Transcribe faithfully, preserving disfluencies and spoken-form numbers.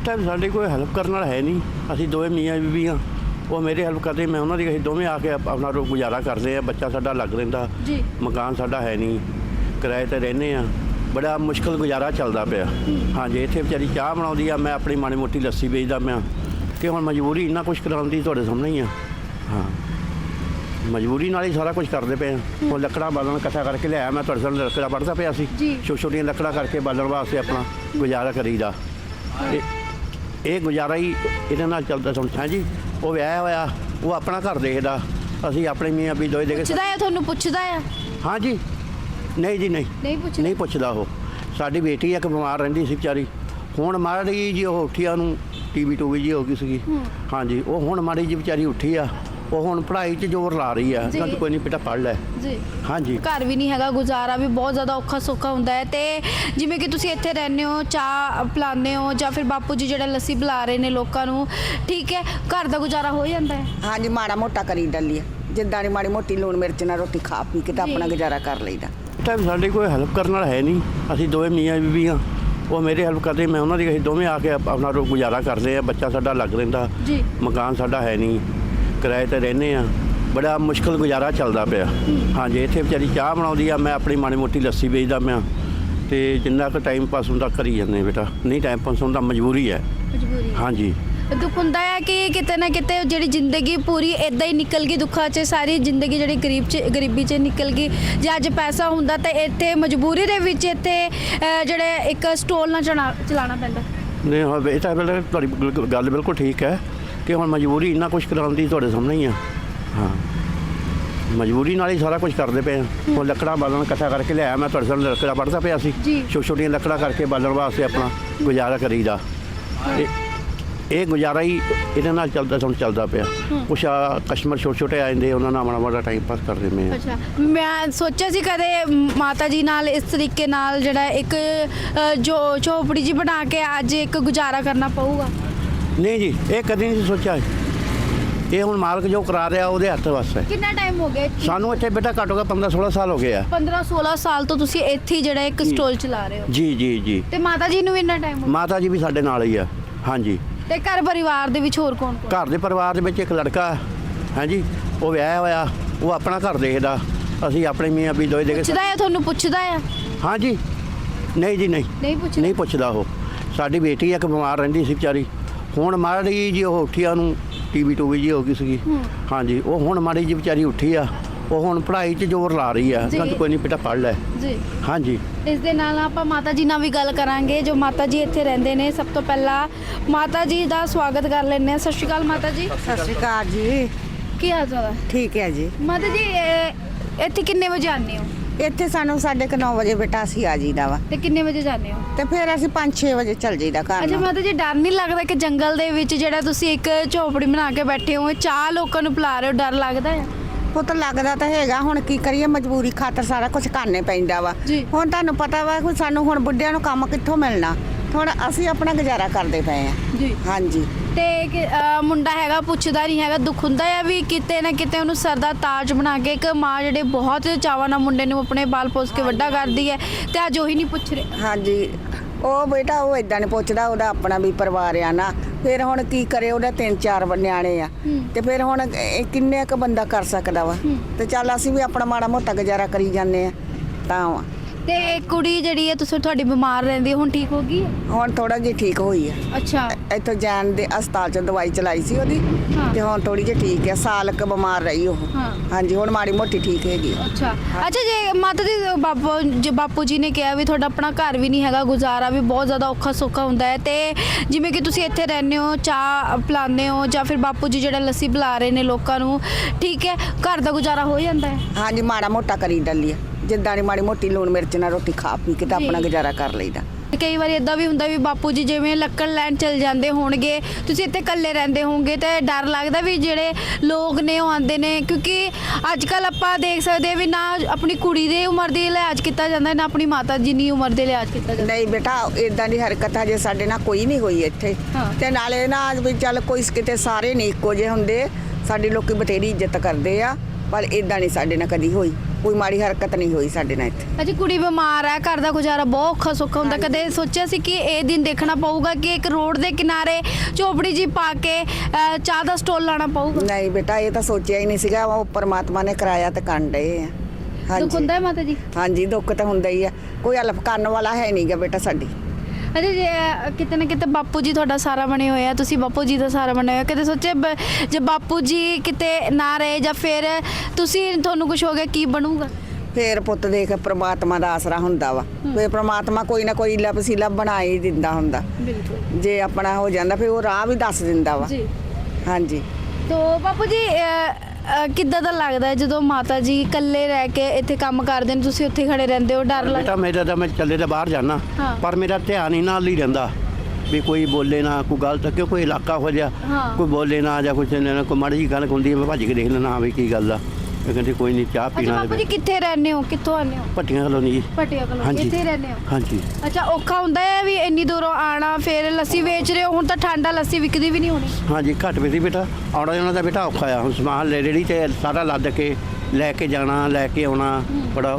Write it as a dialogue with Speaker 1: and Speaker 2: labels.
Speaker 1: Time साढ़े कोई help करने वाला है नहीं। असी दोवें मियाँ बीबी हाँ, वो मेरे हेल्प करते, मैं उन्होंने असीं दोवें आके अपना रो गुजारा करते हैं। बच्चा साडा लग रहिंदा, मकान साडा है नहीं, किराए ते रहने आ, बड़ा मुश्किल गुजारा चलता पिया। हाँ जी, इत्थे बेचारी चाह बनाउंदी आ, मैं अपनी माड़ी मोटी लस्सी बेचदा मैं कि हुण मजबूरी इन्ना कुछ कराउंदी तुहाडे सामने ही आ। हाँ, मजबूरी नाल ही सारा कुछ करते पे हैं। वो लकड़ा बालन इकट्ठा करके लिया, मैं तुहाडे सामने लकड़ा पढ़दा पिया सी, छोटी छोटियां लकड़ा करके बालन वास्ते अपना गुजारा करीदा। ये गुजारा ही इहदे नाल चलदा सुन। हाँ जी, वो विआह होया, वो अपना घर देखदा, असीं अपने मियाँ भी दोए देखे।
Speaker 2: पुछदा है तुहानूं पुछदा है?
Speaker 1: हाँ जी, नहीं जी नहीं
Speaker 2: नहीं पुछदा
Speaker 1: नहीं पुछदा। वो साडी बेटी एक बीमार रहिंदी सी बेचारी, हुण माड़ी जी ਉਹ ਉੱਠੀ ਆ, ਉਹਨੂੰ ਟੀਵੀ ਟੂਵੀ ਜੀ ਹੋ ਗਈ ਸੀਗੀ। हाँ जी, वो हुण माड़ी जी बेचारी ਉੱਠੀ ਆ, ਉਹ ਹੁਣ ਪੜ੍ਹਾਈ 'ਚ ਜ਼ੋਰ ਲਾ ਰਹੀ ਆ। ਕਹਿੰਦੀ ਕੋਈ ਨਹੀਂ ਬੇਟਾ ਪੜ੍ਹ ਲੈ
Speaker 2: ਜੀ।
Speaker 1: हाँ जी,
Speaker 2: ਘਰ ਵੀ ਨਹੀਂ ਹੈਗਾ, ਗੁਜ਼ਾਰਾ ਵੀ ਬਹੁਤ ਜ਼ਿਆਦਾ ਔਖਾ ਸੌਖਾ ਹੁੰਦਾ ਹੈ। ਤੇ ਜਿਵੇਂ ਕਿ ਤੁਸੀਂ ਇੱਥੇ ਰਹਿੰਦੇ ਹੋ, ਚਾਹ ਪਿਲਾਉਂਦੇ ਹੋ ਜਾਂ ਫਿਰ ਬਾਪੂ ਜੀ ਜਿਹੜਾ ਲੱਸੀ ਪਿਲਾ ਰਹੇ ਨੇ ਲੋਕਾਂ ਨੂੰ, ਠੀਕ ਹੈ, ਘਰ ਦਾ ਗੁਜ਼ਾਰਾ ਹੋ ਜਾਂਦਾ ਹੈ?
Speaker 3: हाँ जी, माड़ा मोटा करी डाली जिद्दां दी माड़ी मोटी लूण मिर्च नाल रोटी खा पी के तो अपना गुजारा कर लईदा।
Speaker 1: टाइम साढ़े कोई हेल्प करने वाला है नहीं। असी दोवें मियाँ बीबी हाँ, वो मेरे हेल्प करते, मैं उन्होंने असीं दोवें आके अपना रो गुजारा करते हैं। बच्चा साडा लग रहिंदा, मकान साडा है नहीं, किराए ते रहने आ, बड़ा मुश्किल गुजारा चलता पिया। हाँ जी, इत्थे बेचारी चाह बनाउंदी आ, मैं अपनी माड़ी मोटी लस्सी बेचदा मैं ते जिन्ना क टाइम पास हुंदा करी जांदे बेटा। नहीं टाइम पास हुंदा, मजबूरी है।
Speaker 2: ਮਜਬੂਰੀ
Speaker 1: हाँ जी,
Speaker 2: ਦੁੱਖ ਹੁੰਦਾ ਹੈ ਕਿ ਕਿਤੇ ਨਾ ਕਿਤੇ ਜਿਹੜੀ ਜ਼ਿੰਦਗੀ ਪੂਰੀ ਇਦਾਂ ਹੀ ਨਿਕਲ ਗਈ, ਦੁੱਖਾਂ 'ਚ ਸਾਰੀ ਜ਼ਿੰਦਗੀ ਜਿਹੜੀ ਗਰੀਬ 'ਚ ਗਰੀਬੀ 'ਚ ਨਿਕਲ ਗਈ। ਜੇ ਅੱਜ ਪੈਸਾ ਹੁੰਦਾ ਤਾਂ ਇੱਥੇ ਮਜਬੂਰੀ ਦੇ ਵਿੱਚ ਇੱਥੇ ਅਹ, ਜਿਹੜੇ ਇੱਕ ਸਟੋਲ ਨਾ ਚਲਾ ਚਲਾਉਣਾ ਪੈਂਦਾ।
Speaker 1: नहीं हाँ, ये तो बिल्कुल तुहाडी बिल्कुल गल बिल्कुल ठीक है कि हुण मजबूरी इन्ना कुछ कराउंदी तुहाडे सामने ही आ। हाँ, मजबूरी नाल ही सारा कुछ करते पे हैं। वो लकड़ा बालन इकट्ठा करके लिया, मैं तुहाडे सामने लकड़ा पढ़दा पिया सी, छोटी छोटियां लकड़ा करके बालन वास्ते अपना गुजारा करीदा। ये गुजारा ही इहदे नाल चलदा सुन चलदा पिया। कुछ कस्टमर छोटे छोटे आ जांदे, उन्हां नाल माड़ा माड़ा टाइम पास करदे मैं।
Speaker 2: ਅੱਛਾ, ਮੈਂ ਸੋਚਿਆ ਸੀ ਕਦੇ ਮਾਤਾ ਜੀ ਨਾਲ ਇਸ ਤਰੀਕੇ ਨਾਲ ਜਿਹੜਾ ਇੱਕ ਅਹ, ਜੋ ਝੋਪੜੀ ਜੀ ਬਣਾ ਕੇ ਅੱਜ ਇੱਕ ਗੁਜ਼ਾਰਾ ਕਰਨਾ ਪਊਗਾ।
Speaker 1: नहीं जी, ये कदी नहीं सोचा। ये हुण मालक जो करा रहा ਉਹਦੇ ਹੱਥ ਵੱਸ ਹੈ।
Speaker 2: ਕਿੰਨਾ ਟਾਈਮ ਹੋ ਗਿਆ?
Speaker 1: ਸਾਨੂੰ ਇੱਥੇ ਬੇਟਾ ਘੱਟੋ ਘੱਟ पंद्रह सोलह ਸਾਲ ਹੋ ਗਏ ਆ।
Speaker 2: ਪੰਦਰਾਂ ਸੋਲਾਂ ਸਾਲ ਤੋਂ ਤੁਸੀਂ ਇੱਥੇ ਹੀ ਜਿਹੜਾ ਇੱਕ ਸਟੋਲ ਚਲਾ ਰਹੇ ਹੋ?
Speaker 1: ਜੀ ਜੀ ਜੀ।
Speaker 2: ਤੇ ਮਾਤਾ ਜੀ ਨੂੰ ਵੀ ਇੰਨਾ ਟਾਈਮ ਹੋ ਗਿਆ?
Speaker 1: ਮਾਤਾ ਜੀ ਵੀ ਸਾਡੇ ਨਾਲ ਹੀ ਆ। ਹਾਂਜੀ।
Speaker 2: ਤੇ ਘਰ ਪਰਿਵਾਰ ਦੇ ਵਿੱਚ ਹੋਰ ਕੌਣ ਕੌਣ?
Speaker 1: ਘਰ ਦੇ ਪਰਿਵਾਰ ਦੇ ਵਿੱਚ ਇੱਕ ਲੜਕਾ ਹਾਂਜੀ, ਉਹ ਵਿਆਹਿਆ ਹੋਇਆ, ਉਹ ਆਪਣਾ ਘਰ ਦੇਖਦਾ, ਅਸੀਂ ਆਪਣੇ ਮੀਆਂ ਵੀ ਦੋਏ ਦੇਖੇ।
Speaker 2: ਪੁੱਛਦਾ ਹੈ ਤੁਹਾਨੂੰ? ਪੁੱਛਦਾ ਹੈ?
Speaker 1: ਹਾਂਜੀ, ਨਹੀਂ ਜੀ ਨਹੀਂ
Speaker 2: ਨਹੀਂ ਪੁੱਛਦਾ?
Speaker 1: ਨਹੀਂ ਪੁੱਛਦਾ। ਉਹ ਸਾਡੀ ਬੇਟੀ ਇੱਕ ਬਿਮਾਰ ਰਹਿੰਦੀ ਸੀ ਵਿਚਾਰੀ, ਹੁਣ ਮਾੜੀ ਜੀ ਉਹ ਉੱਠੀ ਆ, ਉਹਨੂੰ ਟੀਵੀ ਟੂਵੀ ਜੀ ਹੋ ਗਈ ਸੀਗੀ। ਹਾਂਜੀ, ਉਹ ਹੁਣ ਮਾੜੀ ਜੀ ਵਿਚਾਰੀ ਉੱਠੀ ਆ, ਉਹ ਹੁਣ ਪੜ੍ਹਾਈ 'ਚ ਜ਼ੋਰ ਲਾ ਰਹੀ ਆ। ਕਹਿੰਦੀ ਕੋਈ ਨਹੀਂ ਬੇਟਾ ਪੜ੍ਹ ਲੈ
Speaker 2: ਜੀ।
Speaker 1: ਹਾਂਜੀ।
Speaker 2: ਇਸ ਦੇ ਨਾਲ ਆਪਾਂ ਮਾਤਾ ਜੀ ਨਾਲ ਵੀ ਗੱਲ ਕਰਾਂਗੇ, ਜੋ ਮਾਤਾ ਜੀ ਇੱਥੇ ਰਹਿੰਦੇ ਨੇ। ਸਭ ਤੋਂ ਪਹਿਲਾਂ ਮਾਤਾ ਜੀ ਦਾ ਸਵਾਗਤ ਕਰ ਲੈਂਦੇ ਹਾਂ। ਸਤਿ ਸ਼੍ਰੀ ਅਕਾਲ ਮਾਤਾ ਜੀ।
Speaker 3: सत श्री अकाल जी।
Speaker 2: ਕੀ ਹਾਲ ਚਾਲ ਹੈ?
Speaker 3: ठीक है जी।
Speaker 2: ਮਾਤਾ ਜੀ ਇਹ- ਇੱਥੇ ਕਿੰਨੇ ਵਜੇ ਆਉਂਦੇ ਹੋ
Speaker 3: ਇੱਥੇ ਸਾਨੂੰ ਸਾਢੇ ਕੁ ਨੌ ਵਜੇ ਬੇਟਾ ਅਸੀਂ ਆ ਜੀਦਾ ਵਾ
Speaker 2: ਤੇ ਕਿੰਨੇ ਵਜੇ ਜਾਂਦੇ ਹੋ?
Speaker 3: ਤੇ ਫਿਰ ਅਸੀਂ ਪੰਜ ਛੇ ਵਜੇ ਚੱਲ ਜੀਦਾ ਘਰ
Speaker 2: ਅੱਛਾ
Speaker 3: ਨੂੰ।
Speaker 2: ਮਾਤਾ ਜੀ, ਡਰ ਨਹੀਂ ਲੱਗਦਾ ਕਿ ਜੰਗਲ ਦੇ ਵਿੱਚ ਜਿਹੜਾ ਤੁਸੀਂ ਇੱਕ ਝੋਪੜੀ ਬਣਾ ਕੇ ਬੈਠੇ ਹੋ, ਚਾਹ ਲੋਕਾਂ ਨੂੰ ਪਿਲਾ ਰਹੇ ਹੋ, ਡਰ ਲੱਗਦਾ ਹੈ?
Speaker 3: ਪੁੱਤ ਲੱਗਦਾ ਤਾਂ ਹੈਗਾ, ਹੁਣ ਕੀ ਕਰੀਏ, ਮਜਬੂਰੀ ਖਾਤਰ ਸਾਰਾ ਕੁਝ ਕਰਨੇ ਪੈਂਦਾ ਵਾ।
Speaker 2: ਜੀ।
Speaker 3: ਹੁਣ ਤੁਹਾਨੂੰ ਪਤਾ ਵਾ ਕਿ ਸਾਨੂੰ ਹੁਣ ਬੁੱਢਿਆਂ ਨੂੰ ਕੰਮ ਕਿੱਥੋਂ ਮਿਲਣਾ, ਹੁਣ ਅਸੀਂ ਆਪਣਾ ਗੁਜ਼ਾਰਾ ਕਰਦੇ ਪਏ ਆ।
Speaker 2: ਜੀ।
Speaker 3: ਹਾਂਜੀ।
Speaker 2: ਤੇ ਕਿ, ਅਹ, ਮੁੰਡਾ ਹੈਗਾ, ਪੁੱਛਦਾ ਨਹੀਂ ਹੈਗਾ, ਦੁੱਖ ਹੁੰਦਾ ਹੈ ਵੀ ਕਿਤੇ ਨਾ ਕਿਤੇ ਉਹਨੂੰ ਸਰ ਦਾ ਤਾਜ ਬਣਾ ਕੇ, ਇੱਕ ਮਾਂ ਜਿਹੜੇ ਬਹੁਤ ਚਾਵਾਂ ਨਾਲ ਮੁੰਡੇ ਨੂੰ ਆਪਣੇ ਬਾਲ ਪੋਸ ਕੇ ਵੱਡਾ ਕਰਦੀ ਹੈ, ਤੇ ਅੱਜ ਉਹੀ ਨਹੀਂ ਪੁੱਛ ਰਹੇ।
Speaker 3: ਹਾਂਜੀ, ਉਹ ਬੇਟਾ ਉਹ ਇਦਾਂ ਨਹੀਂ ਪੁੱਛਦਾ, ਉਹਦਾ ਆਪਣਾ ਵੀ ਪਰਿਵਾਰ ਆ ਨਾ। ਫਿਰ ਹੁਣ ਕੀ ਕਰੇ, ਉਹਦੇ ਤਿੰਨ ਚਾਰ ਨਿਆਣੇ ਆ, ਤੇ ਫਿਰ ਹੁਣ ਇਹ ਕਿੰਨੇ ਕੁ ਬੰਦਾ ਕਰ ਸਕਦਾ ਵਾ। ਤੇ ਚੱਲ ਅਸੀਂ ਵੀ ਆਪਣਾ ਮਾੜਾ ਮੋਟਾ ਗੁਜ਼ਾਰਾ ਕਰੀ ਜਾਂਦੇ ਆ ਤਾਂ ਵਾ।
Speaker 2: ਤੇ ਇਹ ਕੁੜੀ ਜਿਹੜੀ ਹੈ ਤੁਸੀਂ ਤੁਹਾਡੀ ਬਿਮਾਰ ਰਹਿੰਦੀ ਹੈ, ਹੁਣ ਠੀਕ ਹੋ ਗਈ ਹੈ?
Speaker 3: ਹੁਣ ਥੋੜਾ ਜਿਹੀ ਠੀਕ ਹੋਈ ਆ।
Speaker 2: ਅੱਛਾ।
Speaker 3: ਇੱਥੋਂ ਜਾਣ ਦੇ ਹਸਪਤਾਲ ਚੋਂ ਦਵਾਈ ਚਲਾਈ ਸੀ ਉਹਦੀ, ਤੇ ਹੁਣ ਥੋੜੀ ਜਿਹੀ ਠੀਕ ਹੈ। ਸਾਲ ਕ ਬਿਮਾਰ ਰਹੀ ਉਹ। ਹਾਂਜੀ, ਹੁਣ ਮਾੜੀ ਮੋਟੀ ਠੀਕ ਹੈਗੀ।
Speaker 2: ਅੱਛਾ ਅੱਛਾ ਜੇ ਮਾਤਾ ਜੀ, ਬਾਪੂ ਜੇ ਬਾਪੂ ਜੀ ਨੇ ਕਿਹਾ ਵੀ ਤੁਹਾਡਾ ਆਪਣਾ ਘਰ ਵੀ ਨਹੀਂ ਹੈਗਾ, ਗੁਜ਼ਾਰਾ ਵੀ ਬਹੁਤ ਜ਼ਿਆਦਾ ਔਖਾ ਸੌਖਾ ਹੁੰਦਾ ਹੈ, ਤੇ ਜਿਵੇਂ ਕਿ ਤੁਸੀਂ ਇੱਥੇ ਰਹਿੰਦੇ ਹੋ, ਚਾਹ ਪਿਲਾਉਂਦੇ ਹੋ ਜਾਂ ਫਿਰ ਬਾਪੂ ਜੀ ਜਿਹੜਾ ਲੱਸੀ ਪਿਲਾ ਰਹੇ ਨੇ ਲੋਕਾਂ ਨੂੰ, ਠੀਕ ਹੈ, ਘਰ ਦਾ ਗੁਜ਼ਾਰਾ ਹੋ ਜਾਂਦਾ ਹੈ?
Speaker 3: ਹਾਂਜੀ, ਮਾੜਾ ਮੋਟਾ ਕਰੀ ਡਾਲੀ ਜਿੱਦਾਂ ਦੀ ਮਾੜੀ ਮੋਟੀ ਲੂਣ ਮਿਰਚ ਨਾਲ ਰੋਟੀ ਖਾ ਪੀ ਕੇ ਤਾਂ ਆਪਣਾ ਗੁਜ਼ਾਰਾ ਕਰ ਲਈਦਾ।
Speaker 2: ਕਈ ਵਾਰੀ ਇਦਾਂ ਵੀ ਹੁੰਦਾ ਵੀ ਬਾਪੂ ਜੀ ਜਿਵੇਂ ਲੱਕੜ ਲੈਣ ਚਲ ਜਾਂਦੇ ਹੋਣਗੇ, ਤੁਸੀਂ ਇੱਥੇ ਇਕੱਲੇ ਰਹਿੰਦੇ ਹੋਵੋਗੇ, ਤੇ ਡਰ ਲੱਗਦਾ ਵੀ ਜਿਹੜੇ ਲੋਕ ਨੇ ਉਹ ਆਉਂਦੇ ਨੇ, ਕਿਉਂਕਿ ਅੱਜ ਕੱਲ ਆਪਾਂ ਦੇਖ ਸਕਦੇ ਵੀ ਨਾ ਆਪਣੀ ਕੁੜੀ ਦੇ ਉਮਰ ਦੇ ਲਿਹਾਜ਼ ਕੀਤਾ ਜਾਂਦਾ, ਨਾ ਆਪਣੀ ਮਾਤਾ ਜਿੰਨੀ ਉਮਰ ਦੇ ਲਿਹਾਜ਼ ਕੀਤਾ ਜਾਂਦਾ।
Speaker 3: ਨਹੀਂ ਬੇਟਾ, ਇਦਾਂ ਦੀ ਹਰਕਤ ਹਜੇ ਸਾਡੇ ਨਾਲ ਕੋਈ ਨਹੀਂ ਹੋਈ ਇੱਥੇ। ਤੇ ਨਾਲੇ ਨਾ ਵੀ ਚੱਲ ਕੋਈ ਕਿਤੇ ਸਾਰੇ ਨਹੀਂ ਇੱਕੋ ਜਿਹੇ ਹੁੰਦੇ, ਸਾਡੇ ਲੋਕੀ ਬਥੇਰੀ ਇੱਜ਼ਤ ਕਰਦੇ ਆ, ਪਰ ਇਦਾਂ ਨਹੀਂ ਸਾਡੇ ਨਾਲ ਕਦੀ ਹੋਈ। ਕੋਈ ਮਾੜੀ ਹਰਕਤ ਨਹੀਂ ਹੋਈ ਸਾਡੇ ਨਾਲ ਇੱਥੇ।
Speaker 2: ਅਜੀ ਕੁੜੀ ਬਿਮਾਰ ਹੈ, ਘਰ ਦਾ ਗੁਜ਼ਾਰਾ ਬਹੁਤ ਔਖਾ ਸੌਖਾ ਹੁੰਦਾ। ਕਦੇ ਸੋਚਿਆ ਸੀ ਕਿ ਇਹ ਦਿਨ ਦੇਖਣਾ ਪਊਗਾ ਕਿ ਇੱਕ ਰੋਡ ਦੇ ਕਿਨਾਰੇ ਝੋਪੜੀ ਜੀ ਪਾ ਕੇ ਅ, ਚਾਹ ਦਾ ਸਟੋਲ ਲਾਣਾ ਪਊਗਾ?
Speaker 3: ਨਹੀਂ ਬੇਟਾ, ਇਹ ਤਾਂ ਸੋਚਿਆ ਹੀ ਨਹੀਂ ਸੀਗਾ। ਉਹ ਪਰਮਾਤਮਾ ਨੇ ਕਰਾਇਆ ਤੇ ਕਰਨ ਡਏ ਆ।
Speaker 2: ਦੁੱਖ ਹੁੰਦਾ ਹੈ ਮਾਤਾ ਜੀ?
Speaker 3: ਹਾਂਜੀ, ਦੁੱਖ ਤਾਂ ਹੁੰਦਾ ਹੀ ਆ। ਕੋਈ ਹਲਫ ਕਰਨ ਵਾਲਾ ਹੈ ਨਹੀਂਗਾ ਬੇਟਾ ਸਾਡੀ।
Speaker 2: ਅਜੇ ਜੇ ਕਿਤੇ ਨਾ ਕਿਤੇ ਬਾਪੂ ਜੀ ਤੁਹਾਡਾ ਸਾਰਾ ਬਣੇ ਹੋਏ ਆ, ਤੁਸੀਂ ਬਾਪੂ ਜੀ ਦਾ ਸਾਰਾ ਬਣੇ ਹੋਏ ਆ। ਕਦੇ ਸੋਚਿਆ ਬ- ਜੇ ਬਾਪੂ ਜੀ ਕਿਤੇ ਨਾ ਰਹੇ ਜਾਂ ਫਿਰ ਤੁਸੀਂ ਤੁਹਾਨੂੰ ਕੁਝ ਹੋ ਗਿਆ ਕੀ ਬਣੂਗਾ?
Speaker 3: ਫੇਰ ਪੁੱਤ ਦੇਖ, ਪ੍ਰਮਾਤਮਾ ਦਾ ਆਸਰਾ ਹੁੰਦਾ ਵਾ। ਫੇਰ ਪ੍ਰਮਾਤਮਾ ਕੋਈ ਨਾ ਕੋਈ ਈਲਾ ਵਸੀਲਾ ਬਣਾ ਹੀ ਦਿੰਦਾ ਹੁੰਦਾ।
Speaker 2: ਬਿਲਕੁਲ
Speaker 3: ਜੇ ਆਪਣਾ ਹੋ ਜਾਂਦਾ ਫਿਰ ਉਹ ਰਾਹ ਵੀ ਦੱਸ ਦਿੰਦਾ ਵਾ।
Speaker 2: ਜੀ।
Speaker 3: ਹਾਂਜੀ।
Speaker 2: ਤੋ ਬਾਪੂ ਜੀ ਅ, ਅ, ਕਿੱਦਾਂ ਦਾ ਲੱਗਦਾ ਹੈ ਜਦੋਂ ਮਾਤਾ ਜੀ ਇਕੱਲੇ ਰਹਿ ਕੇ ਇੱਥੇ ਕੰਮ ਕਰਦੇ ਨੇ, ਤੁਸੀਂ ਉੱਥੇ ਖੜੇ ਰਹਿੰਦੇ ਹੋ? ਡਰ ਲੱਗਦਾ?
Speaker 1: ਬੇਟਾ ਮੇਰਾ ਤਾਂ ਮੈਂ ਚੱਲੇ ਤਾਂ ਬਾਹਰ ਜਾਣਾ,
Speaker 2: ਹਾਂ।
Speaker 1: ਪਰ ਮੇਰਾ ਧਿਆਨ ਹੀ ਨਾਲ ਹੀ ਰਹਿੰਦਾ ਵੀ ਕੋਈ ਬੋਲੇ ਨਾ, ਕੋਈ ਗਲਤ ਕਿਉਂ ਕੋਈ ਇਲਾਕਾ ਹੋ ਜਾ,
Speaker 2: ਹਾਂ।
Speaker 1: ਕੋਈ ਬੋਲੇ ਨਾ ਜਾਂ ਕੁਛ ਨਾ, ਕੋਈ ਮਾੜੀ ਜਿਹੀ ਗੱਲ ਹੁੰਦੀ ਹੈ ਮੈਂ ਭੱਜ ਕੇ ਦੇਖ ਲੈਣਾ, ਹਾਂ ਵੀ ਕੀ ਗੱਲ ਆ। ਇਹ ਕਹਿੰਦੇ ਕੋਈ ਨਹੀਂ, ਚਾਹ
Speaker 2: ਅੱਛਾ
Speaker 1: ਪੀਣਾ
Speaker 2: ਬਾਪੂ ਜੀ ਕਿੱਥੇ ਰਹਿੰਦੇ ਹੋ, ਕਿੱਥੋਂ ਆਉਂਦੇ ਹੋ?
Speaker 1: ਭੱਟੀਆਂ ਕਲੋਨੀ ਜੀ।
Speaker 2: ਪਟਿਆ ਕੋਲ
Speaker 1: ਹਾਂਜੀ।
Speaker 2: ਇੱਥੇ ਰਹਿੰਦੇ ਹੋ?
Speaker 1: ਹਾਂਜੀ।
Speaker 2: ਅੱਛਾ, ਔਖਾ ਹੁੰਦਾ ਹੈ ਵੀ ਇੰਨੀ ਦੂਰੋਂ ਆਣਾ, ਫਿਰ ਲੱਸੀ ਵੇਚ ਰਹੇ ਹੋ। ਹੁਣ ਤਾਂ ਠੰਡਾ ਲੱਸੀ ਵਿਕਦੀ ਵੀ ਨਹੀਂ ਹੋਣੀ।
Speaker 1: ਹਾਂਜੀ, ਘੱਟ ਵੀ ਸੀ ਬੇਟਾ, ਆਉਣਾ ਜਾਣਾ ਦਾ ਬੇਟਾ ਔਖਾ ਆ। ਹੁਣ ਸਮਾਨ ਲੈ ਰੇੜੀ ਤੇ ਸਾਰਾ ਲੱਦ ਕੇ ਲੈ ਕੇ ਜਾਣਾ, ਲੈ ਕੇ ਆਉਣਾ, ਬੜਾ